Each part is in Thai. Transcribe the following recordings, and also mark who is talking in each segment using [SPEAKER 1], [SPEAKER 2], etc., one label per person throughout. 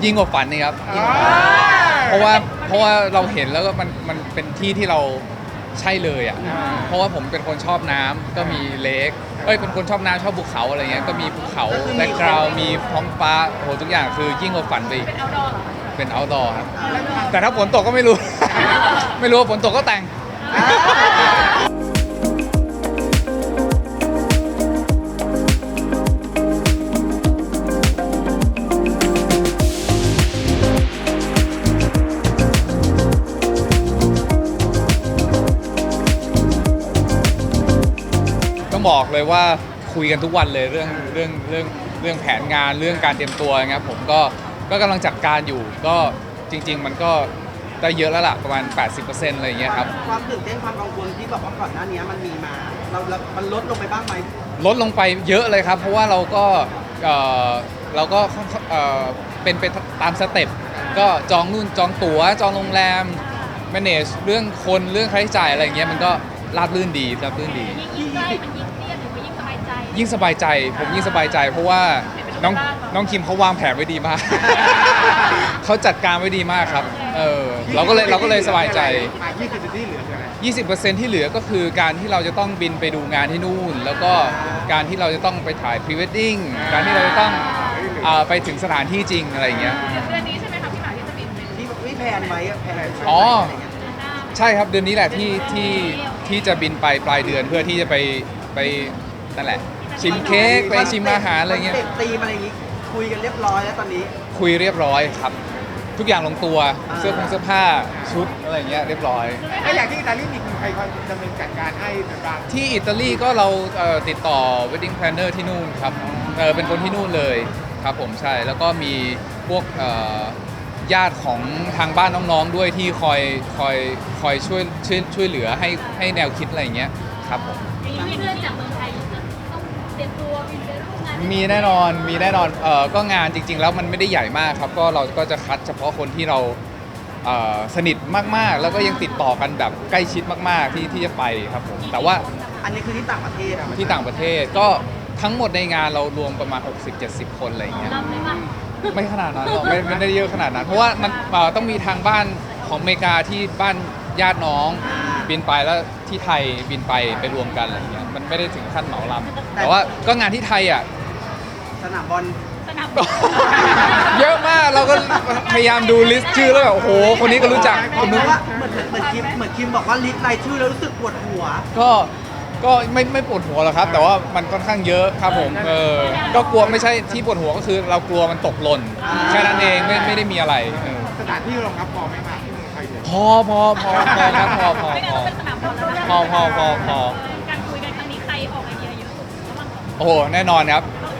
[SPEAKER 1] ยิ่งกว่าฝันนี่ครับเพราะว่าเราเห็นแล้วก็มันเป็นที่ที่เราใช่เลยอ่ะเพราะว่าผมเป็นคนชอบน้ำก็มีเลคเป็นคนชอบน้ำชอบภูเขาอะไรเงี้ยก็มีภูเขาแบ็คกราวด์มีท้องฟ้าโอ้โหทุกอย่างคือยิ่งกว่าฝันไปอีกเป็น outdoor ครับแต่ถ้าฝนตกก็ไม่รู้ ไม่รู้ว่าฝนตกก็แต่ง ต้องบอกเลยว่าคุยกันทุกวันเลยเรื่องแผนงานเรื่องการเตรียมตัวนะครับผมก็กำลังจัดการอยู่ก็จริงๆมันก็ได้เยอะแล้วล่ะประมาณ 80% อะไรอย่างเงี้ยครับ
[SPEAKER 2] ความตื่นเต้นความกังวลที่แบบว่าก่อนหน้านี้มันมีมามันลดลงไปบ้างไหม
[SPEAKER 1] ลดลงไปเยอะเลยครับเพราะว่าเราก็เป็นไปตามสเต็ปก็จองนู่นจองตั๋วจองโรงแรม manage เรื่องคนเรื่องค่าใช้จ่ายอะไรอย่างเงี้ยมันก็ราบรื่นดี
[SPEAKER 3] ยิ่งใกล้มันยิ่งเครียดหรือว่ายิ่งสบายใจ
[SPEAKER 1] ยิ่งสบายใจผมยิ่งสบายใจเพราะว่าน้องคิมเขาวางแผนไว้ดีมาก เขาจัดการไว้ดีมากครับเราก็เลยสบายใจ 20% ที่เหลือก็คือการที่เราจะต้องบินไปดูงานที่นู่นแล้วก็การที่เราจะต้องไปถ่ายพรีเวดดิ้งการที่เราจะต้องไปถึงสถานที่จริงอะไรอย่างเงี้ย
[SPEAKER 3] เดือนนี้ใช่ไหมคะพี่หมากที่จะบิน
[SPEAKER 2] ที่แพลนไว้แพลน
[SPEAKER 1] อ๋อใช่ครับเดือนนี้แหละที่จะบินไปปลายเดือนเพื่อที่จะไปนั่นแหละชิมเค้กไปชิมอาหารอะไรเงี้ย
[SPEAKER 2] ตีมอะไรอย่างงี้คุยกันเรียบร้อยแล้วตอนนี้
[SPEAKER 1] คุยเรียบร้อยครับทุกอย่างลงตัวเสื้อผ้าชุดอะไรเงี้ยเรียบร้อย
[SPEAKER 4] ถ้าอย่างที่อิตาลีมีใครคอยดำเนินจัดการให้บ้าง
[SPEAKER 1] ที่อิตาลีก็เราติดต่อ wedding planner ที่นู่นครับเป็นคนที่นู่นเลยครับผมใช่แล้วก็มีพวกญาติของทางบ้านน้องๆด้วยที่คอยช่วยเหลือให้แนวคิดอะไรอย่างเงี้ยครับผม
[SPEAKER 3] มีเพื่อนจากเมืองไทยจะต้องเตรียมตัวบินไปร่วมงาน
[SPEAKER 1] มีแน่นอนก็งานจริงๆแล้วมันไม่ได้ใหญ่มากครับก็เราก็จะคัดเฉพาะคนที่เราสนิทมากๆแล้วก็ยังติดต่อกันแบบใกล้ชิดมากๆที่จะไปครับผมแต่ว่า
[SPEAKER 2] อันนี้คือที่ต่างประเทศ
[SPEAKER 1] ที่ต่างประเทศก็ทั้งหมดในงานเรารวมประมาณ 60-70 คนอะไรอย่างเงี้ยไม่ขนาดนั้นหรอกไม่ได้เยอะขนาดนั้นเพราะว่ามันต้องมีทางบ้านของอเมริกาที่บ้านญาติน้องบินไปแล้วที่ไทยบินไปรวมกันอะไรอย่างเงี้ยมันไม่ได้ถึงขั้นเหมาลำแต่ว่าก็งานที่ไทยอ่ะ
[SPEAKER 2] สนามบอล
[SPEAKER 1] เยอะมากเราก็พยายามดูลิสต์ชื่อแล้วแบบโอ้โหคนนี้ก็รู้จักคนนู้น
[SPEAKER 2] ว่าเหมือนคิมบอกว่าลิสต์รายชื่อแล้วรู้สึกปวดหัว
[SPEAKER 1] ก็ไม่ปวดหัวหรอกครับแต่ว่ามันค่อนข้างเยอะครับผมก็กลัวไม่ใช่ที่ปวดหัวก็คือเรากลัวมันตกหล่นแค่นั้นเองไม่ได้มีอะไร
[SPEAKER 4] สถานที่รองรับพอไหมครับที่เมืองไทย
[SPEAKER 1] พอครับพอ
[SPEAKER 3] การคุยกันครั้งนี้ใครออกไอเดียเยอะสุด
[SPEAKER 1] โอ้โหแน่นอนครับ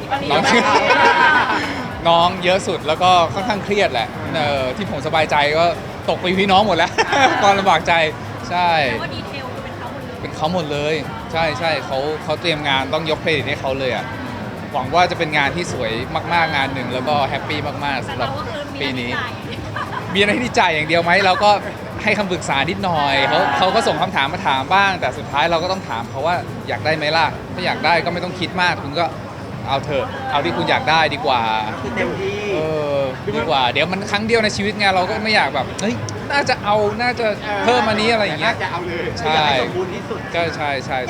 [SPEAKER 1] น้องเยอะสุดแล้วก็ค่อนข้างเครียดแหละที่ผมสบายใจก็ตกไปพี่น้องหมดแล้วตอนลำบากใจใช่
[SPEAKER 3] ว่าดีเทล
[SPEAKER 1] เป็นเขาหมดเลยใช่เขาเตรียมงานต้องยกเครดิตให้เขาเลยอ่ะหวังว่าจะเป็นงานที่สวยมากๆงานหนึ่งแล้วก็แฮปปี้มากๆสำหรับปีนี้มีอะไรที่จ่ายอย่างเดียวไหมเราก็ให้คำปรึกษานิดหน่อยเขาก็ส่งคำถามมาถามบ้างแต่สุดท้ายเราก็ต้องถามเขาว่าอยากได้ไหมล่ะถ้าอยากได้ก็ไม่ต้องคิดมากคุณก็เอาเถอะเอาที่คุณอยากได้ดีกว่า
[SPEAKER 2] เต็มที่
[SPEAKER 1] ดีกว่าเดี๋ยวมันครั้งเดียวในชีวิตไงเราก็ไม่อยากแบบเฮ้ยน่าจะเพิ่มอันนี้อะไรอย่างเงี้ย
[SPEAKER 4] จะเอาเลย
[SPEAKER 1] ใช่
[SPEAKER 2] สมบูรณ์ที่สุด
[SPEAKER 1] ก็ใช่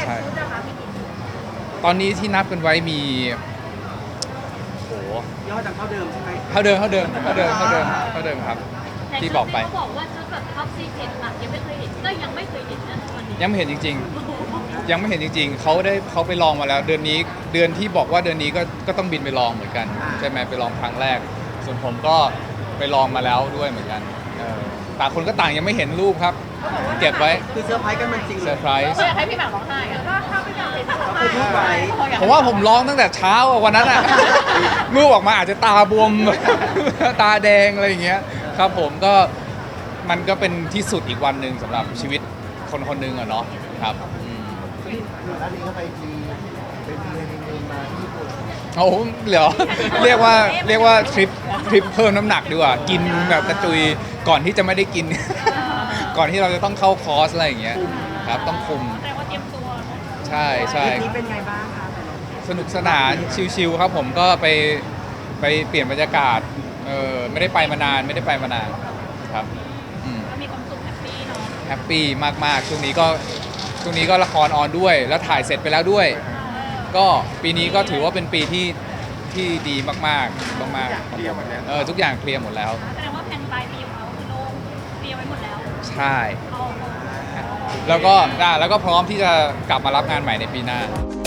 [SPEAKER 1] ตอนนี้ที่นับกันไว้มีโห
[SPEAKER 2] ยอดเท่าเดิมใช่ไหม
[SPEAKER 1] เท่าเดิมครับที่บอกไป
[SPEAKER 3] เขาบอกว่าถ้าแบบท็อปซีเคร็ตหลักยังไม่เคยเห็นก็ยังไม่เคยเห็นนะวันนี้
[SPEAKER 1] ยังไม่เห็นจริงๆเขาไปลองมาแล้วเดือนที่บอกว่าเดือนนี้ก็ต้องบินไปลองเหมือนกันใช่ไหมไปลองครั้งแรกส่วนผมก็ไปลองมาแล้วด้วยเหมือนกันต่างคนก็ต่างยังไม่เห็นรูปครับเก็บไว้
[SPEAKER 2] คือเซอร์ไพรส์กันมันจริง
[SPEAKER 1] เซอร์ไพรส์
[SPEAKER 3] อยากให้พี่หมากร้องไห้อะถ้าพี่หมากเห็นร้อง
[SPEAKER 2] ไห้
[SPEAKER 1] ผมว่าผมร้องตั้งแต่เช้าวันนั้นอ่ะรูปออกมาอาจจะตาบวมตาแดงอะไรอย่างเงี้ยครับผมก็มันก็เป็นที่สุดอีกวันหนึ่งสำหรับชีวิตคนหนึ่งอะเนาะครับ
[SPEAKER 4] ด้านนี้ก็ไปเป็นฮันนีมูนมาที่ญี่ปุ่น
[SPEAKER 1] โอ้เหรอเรียกว่าทริปเพิ่มน้ำหนักดีกว่ากินแบบกระจุยก่อนที่จะไม่ได้กิน ก่อนที่เราจะต้องเข้าคอร์สอะไรอย่างเงี้ยครับต้องคุม
[SPEAKER 3] แต่ว่าเตรียมตัว
[SPEAKER 1] ใช่
[SPEAKER 2] นี้เป็นไงบ้างคะ
[SPEAKER 1] สนุกสนานชิลๆครับผมก็ไปเปลี่ยนบรรยากาศไม่ได้ไปมานานครับอืม
[SPEAKER 3] ก็มีความสุขแฮปปี้เนาะ
[SPEAKER 1] แฮปปี้มากๆช่วงนี้ก็ละครออนด้วย แล้วถ่ายเสร็จไปแล้วด้วย ก็ปีนี้ก็ถือว่าเป็นปีที่ดีมากๆมากๆ
[SPEAKER 4] เคลียร์หมดแล้ว
[SPEAKER 1] ทุกอย่างเคลียร์หมดแล้ว
[SPEAKER 3] แสดงว่าแผนปลายปีของเขาคือโล่งเตรียมไว้หมดแล้ว
[SPEAKER 1] ใช่
[SPEAKER 3] เอา
[SPEAKER 1] แล้วก็พร้อมที่จะกลับมารับงานใหม่ในปีหน้า